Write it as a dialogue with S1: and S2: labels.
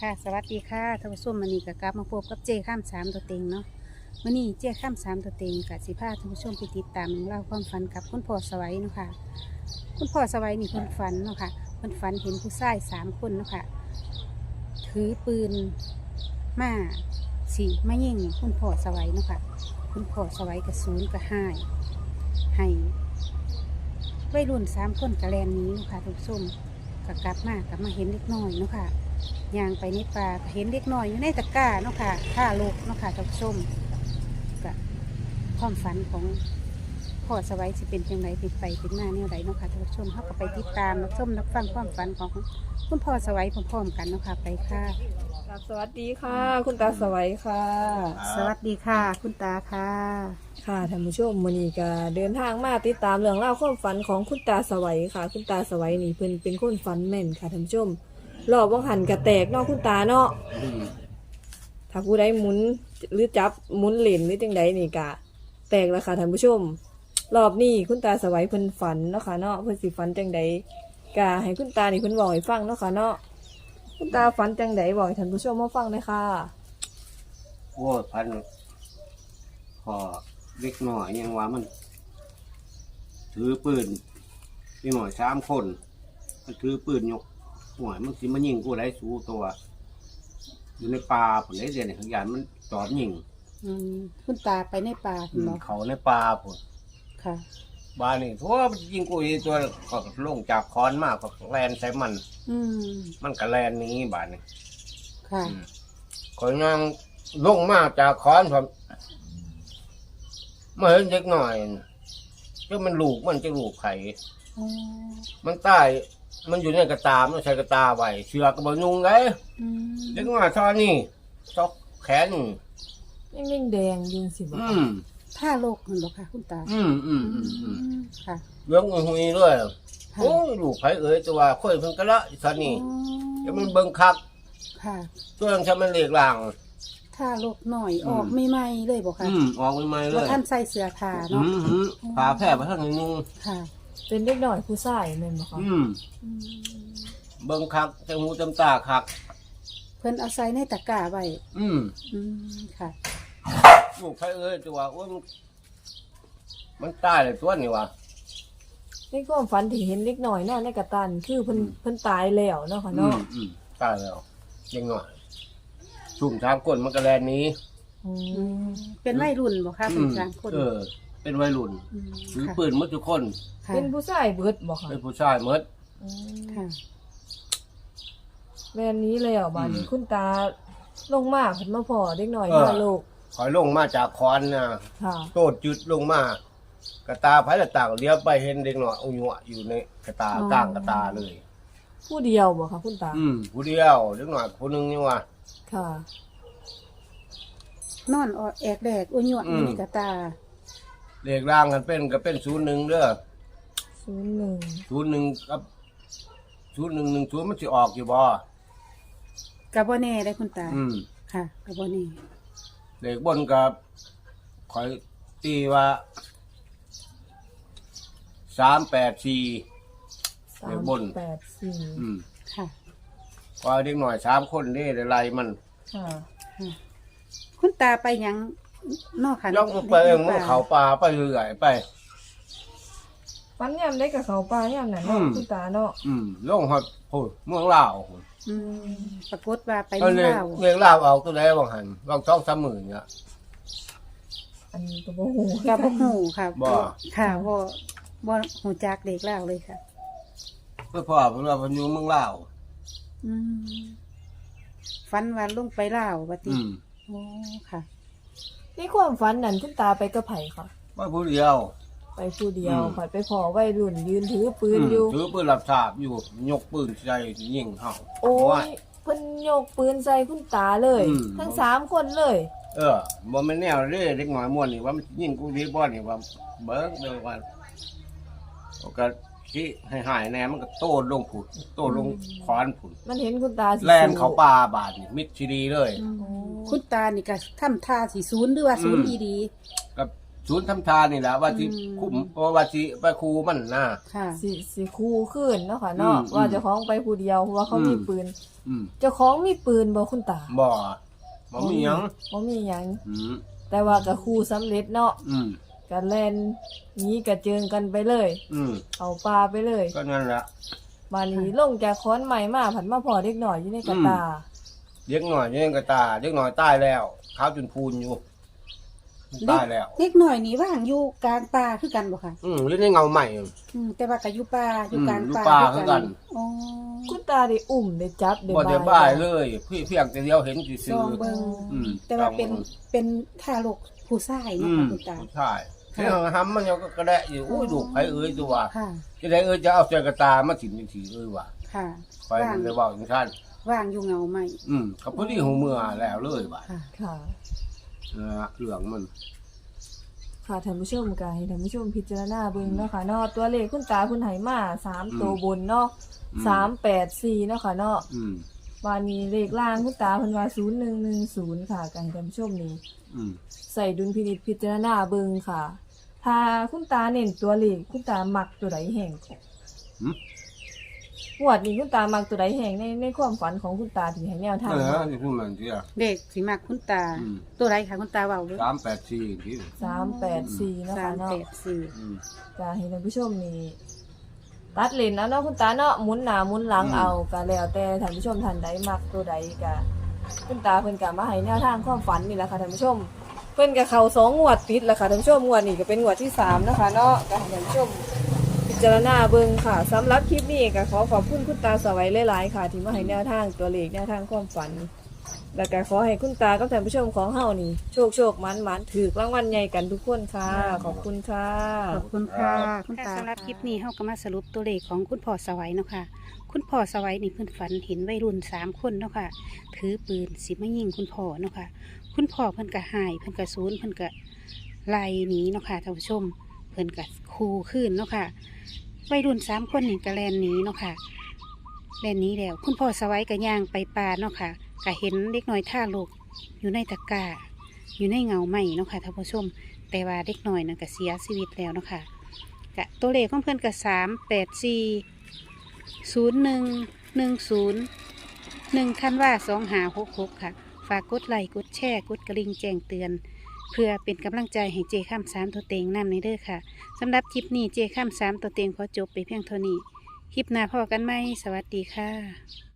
S1: ค่ะสวัสดีค่ะท่านผู้ชมมื้อนี้ก็กลับมาพบกับเจ้ข้ามสามตัวเต็งเนาะมื้อนี้เจ้ข้ามสามตัวเต็งกับสิพาท่านผู้ชมไปติดตามเล่าความฝันกับคุณพ่อสวัยเนาะค่ะคุณพ่อสวัยนี่เพิ่นฝันเนาะค่ะเพิ่นฝันเห็นผู้ชาย3 คนเนาะค่ะถือปืนมาสิมายิงคุณพ่อสวัยเนาะค่ะคุณพ่อสวัยกระสูนกระห้ายให้วัยรุ่น3 คนกระแลนหนี้เนาะค่ะท่านผู้ชมก็กลับมาเห็นเล็กน้อยเนาะค่ะย่างไปในป่าเห็นเด็กน้อยอยู่ในตะกร้าเนาะค่ะท่าลูกเนาะค่ะท่านผู้ชมกับความฝันของพ่อสวัยสิเป็นจังไรเป็นไปเป็นมาแนวใดเนาะค่ะท่านผู้ชมเขาก็ไปติดตามรับชมรับฟังความฝันของคุณพ่อสวัยพร้อมๆกันเนาะค่ะไปค่ะ
S2: สวัสดีค่ะ คุณตาสวัยค่ะ
S1: สวัสดีค่ะ คุณตาค่ะ
S2: ค่ะท่านผู้ชมมื้อนี้ก็เดินทางมาติดตามเรื่องราวความฝันของคุณตาสวัยค่ะ คุณตาสวัยนี่เพิ่นเป็นคนฝันแม่นค่ะท่านผู้ชมรอบว่างหันกระแตกเนาะคุณตาเนาะถ้าผู้ใดหมุนหรือจับหมุนเหรียญหรือจังใดนี่ก็แตกแล้วค่ะท่านผู้ชมรอบนี้คุณตาสวัยเพิ่นฝันเนาะค่ะเนาะเพิ่นสิฝันจังใดก็ให้คุณตานี่เพิ่นบอกให้ฟังเนาะค่ะเนาะคุณตาฝันจังใดบอกให้ท่านผู้ชมมาฟังเลยค่ะ
S3: โอ้ยพันพอเล็กหน่อยยังว่ามัน ถือปืนนี่หน่อย3 คนมันถือปืนยกหัวมันสิมันยิงกูได้สู้ตัว อยู่ในป่าผลได้เรียนในขยันมันจอดยิง
S1: คุณตาไปในป่าคุณบอก
S3: เขาในป่าผล
S1: ค่ะ
S3: บ้านนี่ทั่วมันยิงกูอีตัวก็ลงจากคอนมากก็แลนใส่มัน
S1: อืม
S3: มันก็แลนหนี้บ้านนี่
S1: ค่ะ
S3: ขอยยังลงมาจากคอนผมเมื่อเห็นเด็กหน่อยก็มันลูกมันจะลูกไข่
S1: อ๋อ
S3: มันใต้มันอยู่ในกระตามันใช้กระตาไว้เชือกกระบอกยุงเลย
S1: อืม
S3: เด็กน้อยชอนี่ซอกแขน
S2: ยังแดงๆอยิงสิบ่
S3: อื
S2: ค่ะ
S3: ม
S1: ท่าโลกคุณบอกค่ะ คุณตา ค่ะ
S3: เรื่องหุยๆด้วย
S1: ค่ะ
S3: โอ้ยลูกไผเอ๋ยตัวค่อยเพิ่งกะละชอนี่
S1: อ๋อ
S3: เดี๋ยวมันเบิ่งคัก
S1: ค่ะ
S3: ตัวยังใช้มันเลีกหลัง
S1: ท่าโลกหน่อยออกใหม่ๆเลยบอกค่ะ
S3: ออกใหม่ๆเล
S1: ว่าย ท่านใส่เสื้อผ้าเนาะ
S3: ผ่าแพร่ไปทางนึง
S1: ค่ะ
S2: เป็นเด็กน้อยผู้ชายแม่นบ่คะ
S1: อืม
S3: เบิ่งคักจมูกจำตาคัก
S1: เพิ่นเอาใส่ในตะกร้าไว้
S3: อืม
S1: ค่ะ
S3: ลูกไผเอ๋ยตัวโอ้ยมันตายเลยตัวนี่วะ
S2: ในความฝันที่เห็นเด็กน้อยเนาะในกระตันคือเพิ่นตายแล้วเนาะค่ะเนาะ
S3: ตายแล้วยังหน่อยชุ่ม3 คนมันก็แลนหนี้
S2: อืม
S1: เป็นวัยรุ่นบอกค่ะเป็น3 คน
S3: เป็นวัยรุ่น
S1: ม
S3: ถือ
S1: ค่ะ
S3: ปืนหมดทุกคน
S1: ค่ะ
S2: เป็นผู้ชายเบิดบ่ค่ะ
S3: เป็นผู้ชายหมด
S2: อืม
S1: ค่ะ
S2: แม่นนี้แล้วบัดนี้คุณตาลงมาเพิ่นมาพ้อเด็กน้อย
S3: เออ
S2: มาลูก
S3: คอยลงมาจากคอนนะ
S2: ค่ะ
S3: โตดจุดลงมากระตาไผ่ละต่างเลี้ยวไปเห็นเด็กหน่อยอุญวะอยู่ในกระตากลางกระตาเลย
S2: ผู้เดียวบ่คะคุณตา
S3: ผู้เดียวเด็กหน่อยคนหนึงนี่ว่า
S2: ค่ะ
S1: นอนออกแอกแดกอุญวะ
S3: อื
S1: อ
S3: ม
S1: ยู่ในกระตา
S3: เลขร่างกันเป็นก็เป็น01เด้อ
S2: 01
S3: 01กับ0110มันสิออกอยู่บ่
S1: กะบ่แน่ได้คุณตา ค่ะกะบ่แน่
S3: เลขบนกับคอยตีว่า384 เดี๋ยวบน
S2: 384
S1: ค่ะ
S3: พอเด็กหน่อย3 คนนี่ได้ไล่มัน
S2: ค่ะ
S1: ค่ะ คุณตาไปหยังนอกค่ะ
S3: ย่องไปเองมันเขาป่าไปเรื่อยไป
S2: ฝันยามได้กับเขาป่ายามนั้นเนาะคุณตาเนาะ
S3: ลงฮอดพูดเมืองลาวพุ่น
S1: อืมปรากฏว่าไป
S3: ก็
S1: เมือง
S3: เลย
S1: ลาว
S3: เมืองลาวเอาตัวใดบางหันบาง2-3หมื่นเนี่ย
S2: อันนี้ก็บ่ฮู้
S1: กะบ่ฮู้ค่ะ
S3: บ่
S1: ค่ะบ่ฮู้จักเด็กลาวเลยค่ะ
S3: เพื่อพ่อเพิ่นว่าเพิ่นอยู่เมืองลาว
S1: อืมฝันว่าลงไปลาวว่าติโอ้ค่ะ
S2: ในความฝันนั้นคุณตาไปกับไผค่ะ
S3: ว่าผู้เดียว
S2: ไปผู้เดียวข่อยไปพอวัยรุ่นยืนถือปืนอยู่
S3: ถือปืนรับทราบอยู่ยกปืนใส่ยิงเฮา
S2: โอ้ยเพิ่นโยกปืนใส่คุณตาเลย ทั้ง3คนเลย
S3: บ่แม่นแนวเด้เด็กน้อยม่วนนี่ว่ามันยิงกูดีบ่นี่ว่าเบิ่งเด้อว่าก็ที่ให้หายแน่มันก็โตดลงผุดโตดลงขอนผุด
S2: มันเห็นคุณตาสิ
S3: แล่นเข้าป่าบาดนี่มิดชีดีเลย
S1: คุณตานี่ก็ทำท่าสิศูนย์หรือว่าศูนย์ดี
S3: ก็ศูนย์ทำทานนี่แหละว่าที่คุ้มว่าที่ไปครูมันนะ
S1: ค่ะ
S2: สิคู่ขึ้นเนาะค่ะเนาะ
S3: อืม
S2: ว่าเจ้าของไปผู้เดียวเพราะว่าเขามีปืน
S3: อืม
S2: เจ้าของมีปืนบ่คุณตา
S3: บ่มีหยัง
S2: บ่มีหยัง
S3: อืม
S2: แต่ว่าก็คู่สำเร็จเนาะ
S3: อืม
S2: ก็แล่นหนีกระเจิงกันไปเลย
S3: อืม
S2: เอาปลาไปเลย
S3: ก็นั่นแหละ
S2: มานี้ลงจากค้อนใหม่มาผันมาพอเด็กหน่อยอยู่ในกระตา
S3: เด็กหน่อยยังกระตาเด็กหน่อยตายแล้วขาวจนพูนอยู่ตายแล้ว
S1: เล็กหน่อยนี่ว่างอยู่กลางป่าคือกันบ่ค่ะ
S3: เล่นในเงาใหม่
S1: แต่ว่าก็อยู่ป่าอยู่กลาง
S3: อยู่
S1: ป่า
S3: ป่าคือกัน
S1: อ๋อ
S2: คุณตาได้อุ้มได้จับได้
S3: บ่ได้
S2: บา
S3: บ้าย
S2: ย
S3: เลยเพียงแต่เดียวเห็น
S1: ซ
S3: ซื่อ
S1: องเบิ่ง
S3: อืม
S1: แต่ว่าเป็นทารกผู้ชายเนาะ
S3: อืม
S1: ค่ะคุณตา
S3: ใช่เฮ้ยหำมันยังก็กระแดะอยู่โอ้ยลูกไผเอ้ยตัว
S1: ค่ะ
S3: จะได้จะเอาใจกระตามาถิ่นจังซี่ว่า
S1: ค่ะ
S3: ไปมันเลยว่าอย่างนั้น
S1: ว่างอยู่เงาใหม่
S3: กับพอดีหูเมื่อแล้วเลยว่า
S1: ค่ะ
S2: ค่ะ
S3: เรื่องมัน
S2: ค่ะท่านผู้ชมก็ให้ท่านผู้ชมพิจารณาเบิ่งเนาะค่ะเนาะตัวเลขคุณตาคุณไหมา3ตัวบนเนาะ384เนาะค่ะเนาะ
S3: อืม
S2: วันนี้เลขล่างคุณตาเพิ่นว่า0110ค่ะก็ให้ท่านผู้ชมนี่
S3: อืม
S2: ใส่ดุลพินิจพิจารณาเบิ่งค่ะ ถ้าคุณตาเน้นตัวเลขคุณตามักตัวใดแห่งของ
S3: หืม
S2: งวดนี้คุณตามักตัวใดแห่งในความฝันของคุณตาที่ให้แนวทาง
S3: นี่คือมันที่
S1: เด็กสิมักคุณตา
S3: อืม
S1: ตัวไรคะคุณตาเว้าเด้อ
S3: 384ที่
S2: 384เนาะค่ะเนาะ
S1: 384
S3: อืม
S2: จะให้ท่านผู้ชมนี่ตัดเลนเอาเนาะคุณตาเนาะหมุนหน้าหมุนหลัง
S3: อืม
S2: เอาก็แล้วแต่ท่านผู้ชมท่านใดมักตัวใดก็คุณตาเพิ่นก็มาให้แนวทางความฝันนี่แหละค่ะท่านผู้ชม เพิ่นก็เข้า2งวดติดแล้วค่ะท่านผู้ชมงวดนี้ก็เป็นงวดที่3นะคะเนาะก็ให้ท่านผู้ชมพิจารณาเบิ่งค่ะสำหรับคลิปนี้ก็ขอขอบคุณคุณตาสวัยหลายๆค่ะ ที่มาให้แนวทางตัวเลขแนวทางความฝัน แล้วก็ขอให้คุณตากับท่านผู้ชมของเฮานี่โชคมันถูกรางวัลใหญ่กันทุกคนค่ะ ขอบคุณค่ะ
S1: ขอบคุณค่ะคุณตาสำหรับคลิปนี้เฮาก็มาสรุปตัวเลขของคุณพ่อสวัยเนาะค่ะคุณพ่อสวัยนี่เพิ่นฝันเห็นวัยรุ่น3คนเนาะค่ะถือปืนสิมายิงคุณพ่อเนาะค่ะคุณพ่อเพิ่นก็หายเพิ่นก็สูญเพิ่นก็ไล่หนีเนาะค่ะท่านผู้ชมเพิ่นก็คูขึ้นเนาะค่ะวัยรุ่น3คนนี่ก็แล่นหนีเนาะค่ะแล่นหนีแล้วคุณพ่อสวัยก็ย่างไปป่าเนาะค่ะก็เห็นเด็กน้อยท่าลูกอยู่ในตะกร้าอยู่ในเงาไม้เนาะค่ะท่านผู้ชม แต่ว่าเด็กน้อยนั่นก็เสียชีวิตแล้วเนาะค่ะกะตัวเลขของเพื่อนก็3840110 ธันวา2566ค่ะ ฝากกดไลค์กดแชร์กดกระลิ่งแจ้งเตือน เพื่อเป็นกำลังใจให้เจข้าม3ตัวเต็งนำในเด้อค่ะสำหรับคลิปนี้เจข้าม3ตัวเต็งขอจบไปเพียงเท่านี้ คลิปหน้าพอกันไหมสวัสดีค่ะ